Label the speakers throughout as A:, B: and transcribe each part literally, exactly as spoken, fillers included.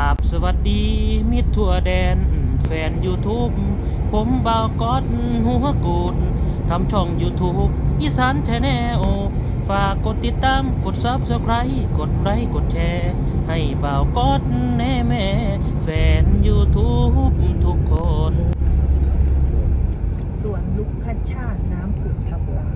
A: บสวัสดีมิตรทั่วแดนแฟน YouTube ผมบ่าวก๊อตหัวกูดทำช่อง YouTube อีสานแชนแนลฝากกดติดตามกด ซับสไครบ์ กดไลค์กดแชร์ให้บ่าวก๊อตแน่แม่แฟน YouTube ทุกคน
B: สวนลุกคชาติน้ำผุดทับลาว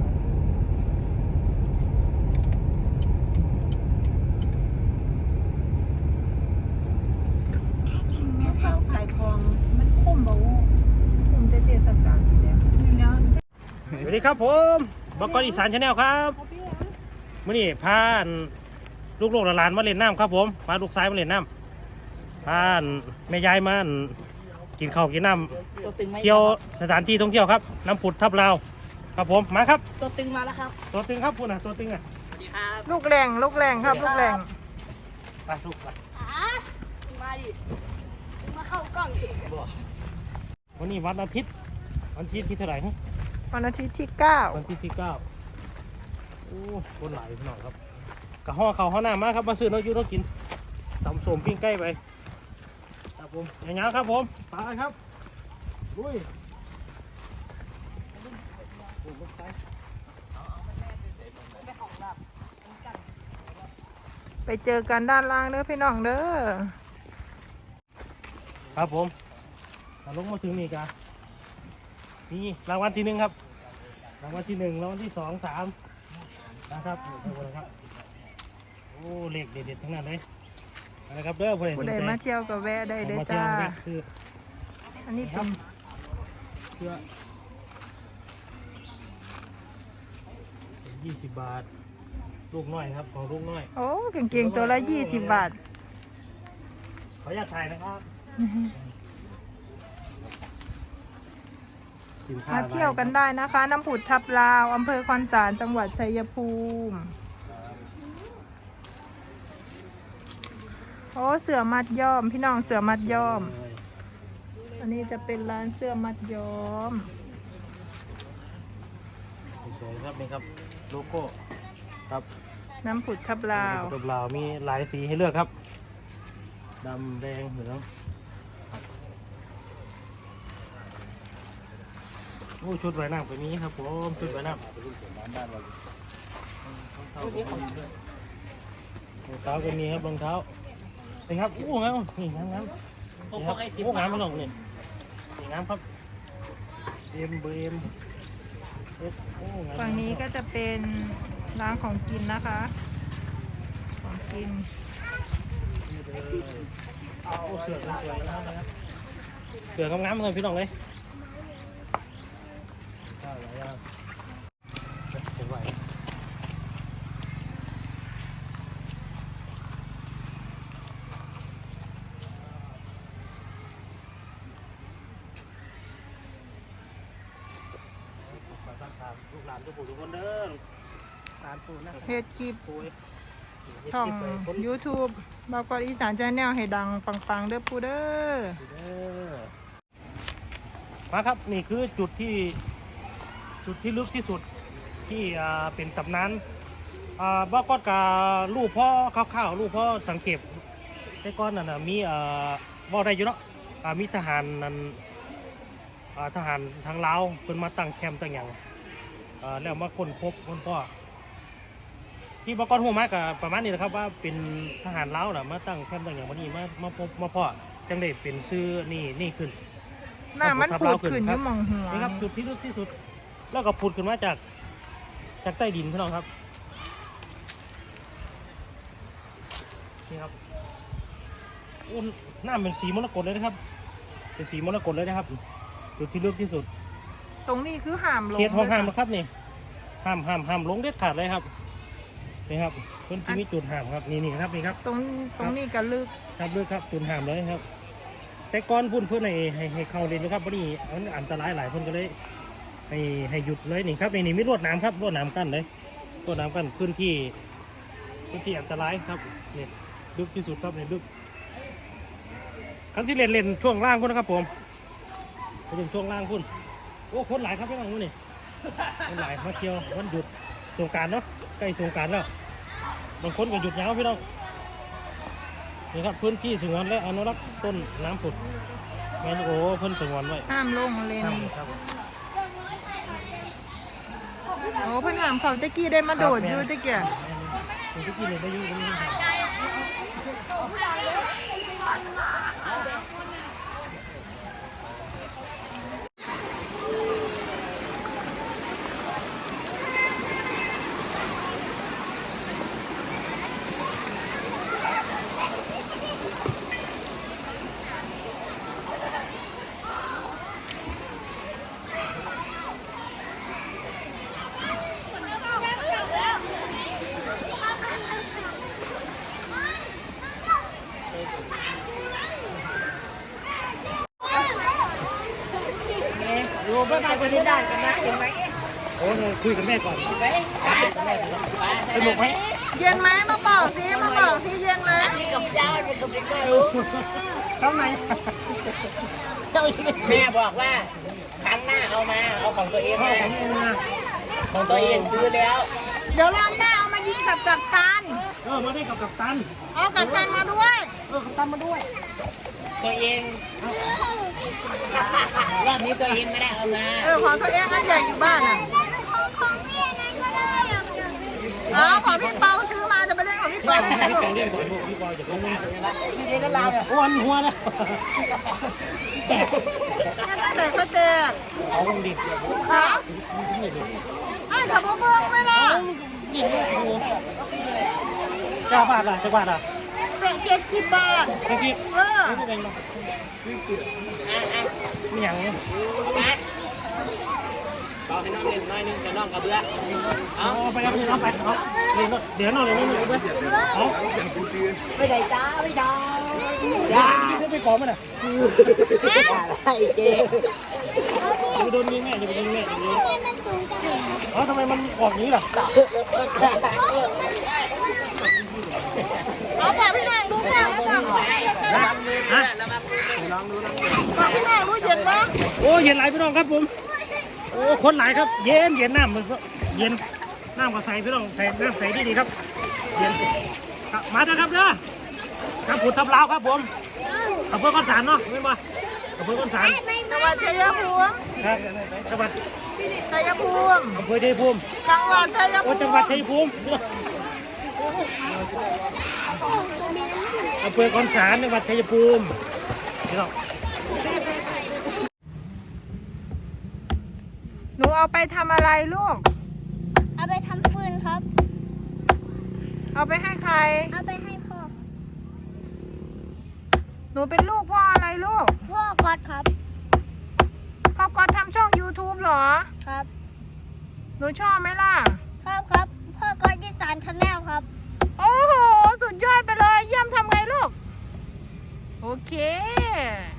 B: เข้าขายทองมันคุ้มบ่วูคุ้มเทศกาลอยู่แล้วอยู่แล้ว
A: สวัสดีครับผมบ่าวก๊อตอีสานแชนแนลครับมื้อนี้พาลูกๆหลานๆมาเล่นน้ำครับผมพาลูกชายมาเล่นน้ำพาแม่ยายมากินข้าวกินน้ำเที่ยวสถานที่ท่องเที่ยวครับน้ำผุดทับลาวครับผมมาครับ
C: ตัวตึงมาแล้วครับ
A: ตัวตึงครับคุณอ่ะตัวตึงอ่ะ
B: ลูกแรงลูกแรงครับลูกแรง
A: ไปลูกไป
C: มาดิมาเข้ากล้องเอง
A: วันนี้วันอาทิตย์วันอาทิตย์ที่เท่าไหร่ฮะ
B: วันอาทิตย์ที่เก้า
A: วันอาทิตย์ที่เก้าโอ้คนหลายหน่อยครับกะห่อเขาห่อหน้ามาครับมาซื้อน้อยยูน้อยกินตำส้มปิ้งไก่ไปครับผมอย่างงี้ครับผมไปครับลุย
B: ไปเจอกันด้านล่างเด้อพี่น้องเด้อ
A: ครับผมลงมาถึงนี่กันนี่รางวัลที่หนึ่งครับรางวัลที่หนึ่งรางวัลที่สองสามนะครับครับโอ้เลขเด็ดๆทั้งนั้นเลยนะครับเด้อ
B: ผู้ใดมาเที่ยวกับแวะได้เด้อจ้าอันนี้เป็น
A: เพื่อยี่สิบบาทลูกน้อยครับของลูกน้อย
B: โอ้เก่งๆตัวละยี่สิบบาท
A: ขออนุญาตถ่ายนะครับ
B: มาเที่ยวกันได้นะคะน้ำผุดทับลาวอำเภอคอนสารจังหวัดชัยภูมิโอ้เสือมัดย้อมพี่น้องเสือมัดย้อมอันนี้จะเป็นร้านเสื้อมัดย้อม
A: สวยครับนี่ครับโลโก้ครับ
B: น้ำผุดทับลาว
A: ทับลาวมีหลายสีให้เลือกครับดำแดงเหลืองโอ้ชุดว่ายน้ำก็มีครับผมชุดว่ายน้ำรองเท้าก็มีครับรองเท้านี่ครับอู้งามนี่งามงามโอ้งามมาลงนี่นี่งามครับเอ็มเบม
B: ฝั่งนี้ก็จะเป็นร้านของกินนะคะของกิน
A: โอ้เสือสวยนะครับเสืองามๆเลยพี่น้องเลยลูกหลานทุกผู้ทุกคนเด้อหลานปู่นะ
B: เพจคลิปช่อง ยูทูบ บ่าวก๊อตอีสานแชนแนลให้ดังปังๆเด้อปู่เด้อ
A: มาครับนี่คือจุดที่จุดที่ลึกที่สุดที่เป็นตำนานบ่าวก๊อตกับลูกพ่อข้าวๆลูกพ่อสังเกตแต่ก่อนน่ะมีบ่ได้อยู่เนาะมีทหารนั้นทหารทางลาวเพิ่นมาตั้งแคมป์ตั้งอย่างแล้วมาค้นพบคนพ่อที่บ่าวก๊อตหัวมากับประมาณนี้นะครับว่าเป็นทหารลาวน่ะมาตั้งแคมป์ตั้งอย่างวันนี้มามาพบมาพ่อจังได้เป็นชื่อนี่นี่ขึ้น
B: หน้ามันผุดขึ้นอยู่มองหัว
A: นี่ครับจุดที่ลึกที่สุดแล้วก็ผุดขึ้นมาจากจากใต้ดินพี่น้องครับนี่ครับอุ้นหน้าเป็นสีมรกตเลยนะครับเป็นสีมรกตเลยนะครับจุดที่ลึกที่สุด
B: ตรงนี้คือห้ามลง
A: เขตห้องห้ามนะครับนี่ห้ามห้ามห้ามลงเด็ดขาดเลยครับนี่ครับพื้นที่มีจุดห้ามครับนี่นี่ครับนี่ครับ
B: ตรงตรงนี้ก็ลึก
A: ครับลึกครับจุดห้ามเลยครับแต่ก่อนพุ่นเพื่อนให้ให้ให้เข้าเลยนะครับวันนี้มันอันตรายหลายคนก็เลยให้ให้หยุดเลยนี่ครับนี่นี่มีรวดน้ำครับรวดน้ำกั้นเลยรวดน้ำกั้นพื้นที่พื้นที่อันตรายครับนี่ลึกที่สุดครับนี่ลึกครั้งที่เล่นเล่นช่วงล่างพุ่นนะครับผมไปถึงช่วงล่างพุ่นโอ้คนหลายครับพี่น้องนี่คนหลายมาเที่ยววันหยุดสงกรานต์เนาะใกล้สงกรานต์แล้วบางคนก็หยุดยาวพี่น้องนี่ครับพื้นที่สงวนและอนุรักษ์ต้นน้ำผุดแมนโอ้เพิ่นสงวนไว้
B: ห้ามลงเลน
A: ครับ
B: โอ้เพิ่นถามเขาตะกี้ได้มาโดดอยู่ตะกี้
A: ผมที่กินเลยได้อยุ่งนี่ครับ
C: อยู่บ้านไปได้ได้กันนะเห็นไหม
A: โอ้เนี่ยคุยกับแม่ก่อน
C: ไปสนุกไหม
B: เย็นไหมมาบอกสิมาบอกสิเย็นไหม
C: นี่กับเจ้าเป็นกับเด็ก
A: ข้างในเจ้าอยู่นี่
C: แม่บอกว่าครั้งหน้าเอามาเอาของตัวเอง
A: พ่อ
C: มา
A: ผมเองนะ
C: ของตัวเองซื้อแล้ว
B: เดี๋ยวรอบหน้าเอามายิงกับกัปตัน
A: เออมาได้กับกัปตัน
B: เอากัปตันมาด้วย
A: เออกัปตันมาด้วย
C: ตัวเองรอบนี้ตัวเองไม่ได้เอามา
B: เออของตัวเองอันใหญ่อยู่บ้านอ่ะอ๋อของพี่เปาซื้อมาจะไปเล่นของพี่เปา
A: ให้แกเรียกก่อนพวกพี่บอยจะรู้ไหม
C: พี่เด็กลาวเนี่ย
A: วันหัวนะ
B: ใส่ก็แตก
A: เอาลงดิ
B: ครับไอ้ขับเบิ้งไปละ
A: นี่โอ้โหเจ้าบาทอ่ะเจ้าบาทอ่ะ
B: เป็นเจ็ดสิบบาท
A: เมื่อกี้
B: เออ
A: นี่เป็นไงเนาะนี่อย่างนี้
C: เอาให้น้องเล่นน้อยนึงจะน้องกับเบื่อ
A: เอาไปเอาไปเอาไปเอาเดี๋ยวน้องเดี๋ยวน้องเดี๋ยวเอา
C: ไม่ได้จ้าไม่จ้า
A: อย่าจะไปขอมันอ่ะ
C: ไอ้เจ๊
A: จะไปโดนยิงแม่จะไปโดนแม่จะไปโดนเออทำไมมันออกนี้ล่ะ
B: เอาบอกพี่หน่อยรู้เนี่ยเอาบอก
A: ฮะฮะ
B: บอกพี่หน่อยรู้เย็นปะ
A: โอ้เย็นไหลพี่น้องครับผมโอ้คนหลายครับเย็นเย็นน้ำมันเย็นน้ำก็ใส่พี่น้องใส่น้ำใส่ดีดีครับเย็นมาเถอะครับเด้อครับผุดทับลาวครับผมอำเภอก้อนสารเนาะไม่มาอำเภอก้อนสาร
B: จังหวัดชัยภูมิ
A: ครับจังหวัด
B: ชัยภูมิ
A: อำเภอชัยภูมิ
B: จังหวัดชัย
A: โอ้
B: ภูมิ
A: จังหวัดชัยภูมิอำเภอก้อนสารจังหวัดชัยภูมิพี่น้อง
B: หนูเอาไปทำอะไรลูก
D: เอาไปทำฟืนครับ
B: เอาไปให้ใคร
D: เอาไปให้พ่อ
B: หนูเป็นลูกพ่ออะไรลูก
D: พ่อกอดครับ
B: พ่อก็ทำช่อง ยูทูบ เหรอ
D: ครับ
B: หนูชอบไหมล่ะ
D: ครับครับ พ่อกอดอีสานชาแนลครับ
B: โอ้โห สุดยอดไปเลย เยี่ยมทำไงลูก โอเค